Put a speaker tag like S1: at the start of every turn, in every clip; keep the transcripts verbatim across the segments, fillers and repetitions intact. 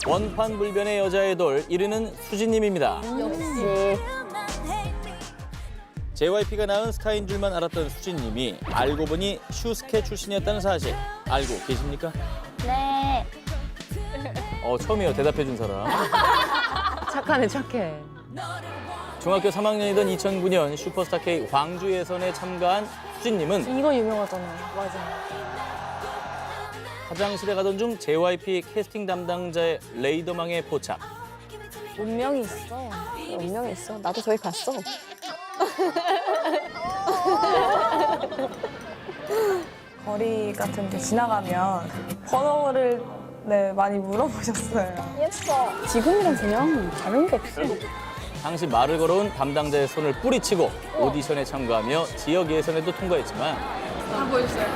S1: 원판불변의 여자 아이돌 일 위는 수진님입니다.
S2: 역시.
S1: 제이와이피가 낳은 스타인 줄만 알았던 수진님이 알고 보니 슈스케 출신이었다는 사실 알고 계십니까?
S2: 네.
S1: 어, 처음이에요. 대답해준 사람.
S3: 착하네, 착해.
S1: 중학교 삼 학년이던 이천구 년 슈퍼스타 K 광주 예선에 참가한 수진님은
S2: 이거 유명하잖아요. 맞아.
S1: 화장실에 가던 중 제이와이피 캐스팅 담당자의 레이더망에 포착.
S2: 운명이 있어. 운명이 있어. 나도 저기 갔어.
S4: 거리 같은 데 지나가면 번호를 네, 많이 물어보셨어요.
S2: 예뻐. 지금이랑 그냥 다른 게 없어.
S1: 당시 말을 걸어온 담당자의 손을 뿌리치고 오디션에 참가하며 지역 예선에도 통과했지만
S3: 다 보여주세요.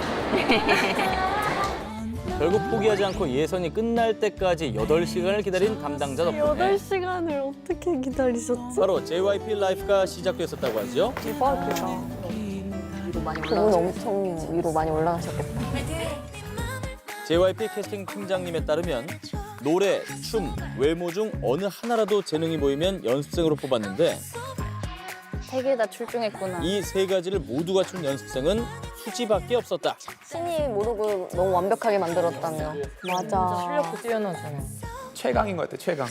S1: 결국 포기하지 않고 예선이 끝날 때까지 여덟 시간을 기다린 담당자 덕분에
S2: 여덟 시간을 어떻게 기다리셨지?
S1: 바로 제이와이피 라이프가 시작됐었다고 하죠.
S4: 대박이다.
S3: 위로 많이
S2: 그분
S3: 올라가죠.
S2: 엄청 위로 많이 올라가셨겠다.
S1: 제이와이피 캐스팅 팀장님에 따르면 노래, 춤, 외모 중 어느 하나라도 재능이 보이면 연습생으로 뽑았는데
S2: 세 개 다 출중했구나.
S1: 이 세 가지를 모두 갖춘 연습생은 수지밖에 없었다.
S2: 신이 모르고 너무 완벽하게 만들었다며. 맞아.
S3: 실력도 뛰어나잖아.
S5: 최강인 것 같아, 최강.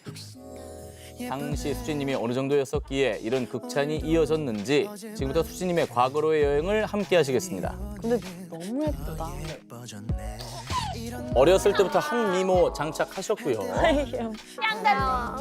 S1: 당시 수지님이 어느 정도였었기에 이런 극찬이 이어졌는지 지금부터 수지님의 과거로의 여행을 함께 하시겠습니다.
S2: 근데 너무 예쁘다.
S1: 어렸을 때부터 한 미모 장착하셨고요.
S2: 짱다.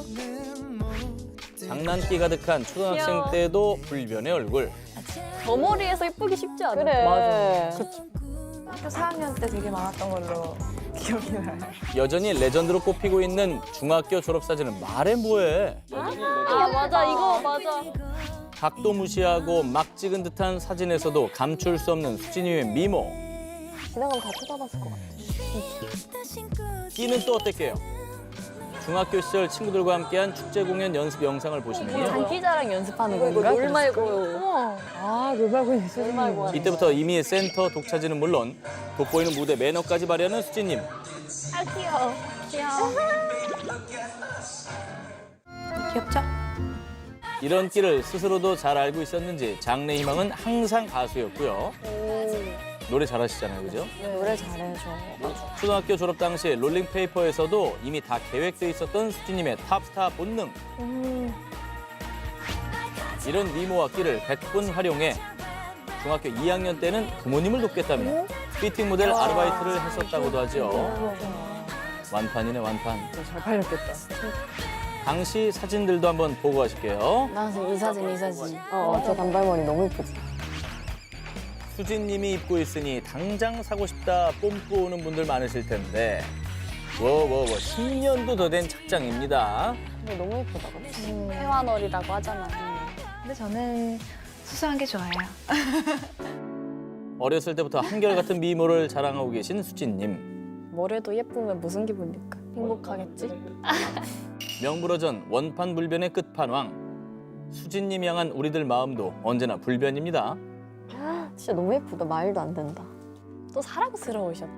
S1: 장난기 가득한 초등학생
S2: 귀여워.
S1: 때도 불변의 얼굴.
S2: 저 머리에서 예쁘기 쉽지 않아.
S3: 그래.
S2: 맞아.
S4: 학교 사 학년 때 되게 많았던 걸로 기억이 나요.
S1: 여전히 레전드로 꼽히고 있는 중학교 졸업사진은 말해 뭐해.
S2: 아 맞아 이거 맞아.
S1: 각도 무시하고 막 찍은 듯한 사진에서도 감출 수 없는 수진님의 미모.
S2: 지나가면 다 쳐다봤을 것 같아.
S1: 끼는 또 어땠게요? 중학교 시절 친구들과 함께한 축제 공연 연습 영상을 보시면요.
S2: 장기자랑 연습하는 건가? 롤 말고요.
S3: 아, 롤말고 있어. 롤 말고.
S1: 이때부터 이미 센터 독차지는 물론 돋보이는 무대 매너까지 발휘하는 수진님.
S2: 아 귀여워. 귀여워.
S4: 귀엽죠?
S1: 이런 끼를 스스로도 잘 알고 있었는지 장래 희망은 항상 가수였고요. 노래 잘하시잖아요, 그죠?
S2: 노래 잘해 줘.
S1: 초등학교 졸업 당시 롤링페이퍼에서도 이미 다 계획돼 있었던 수진님의 탑스타 본능. 이런 미모와 끼를 백분 활용해 중학교 이 학년 때는 부모님을 돕겠다며 피팅 모델 아르바이트를 했었다고도 하죠. 완판이네, 완판.
S3: 잘 팔렸겠다.
S1: 당시 사진들도 한번 보고 가실게요.
S2: 나 지금 이 사진 이 사진. 어, 저 단발머리 너무 예쁘지.
S1: 수진님이 입고 있으니 당장 사고 싶다 뽐뿌 오는 분들 많으실 텐데 워워워 십 년도 더 된 착장입니다.
S2: 근데 너무 예쁘다. 회화놀이라고 하잖아.
S6: 근데 저는 수수한 게 좋아요.
S1: 어렸을 때부터 한결같은 미모를 자랑하고 계신 수진님.
S2: 뭐래도 예쁘면 무슨 기분일까? 행복하겠지?
S1: 명불허전 원판불변의 끝판왕. 수진님 향한 우리들 마음도 언제나 불변입니다.
S2: 진짜 너무 예쁘다. 말도 안 된다. 또 사랑스러우셔.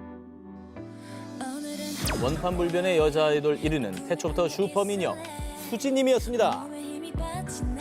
S1: 원판불변의 여자 아이돌 일 위는 태초부터 슈퍼미녀 수진님이었습니다.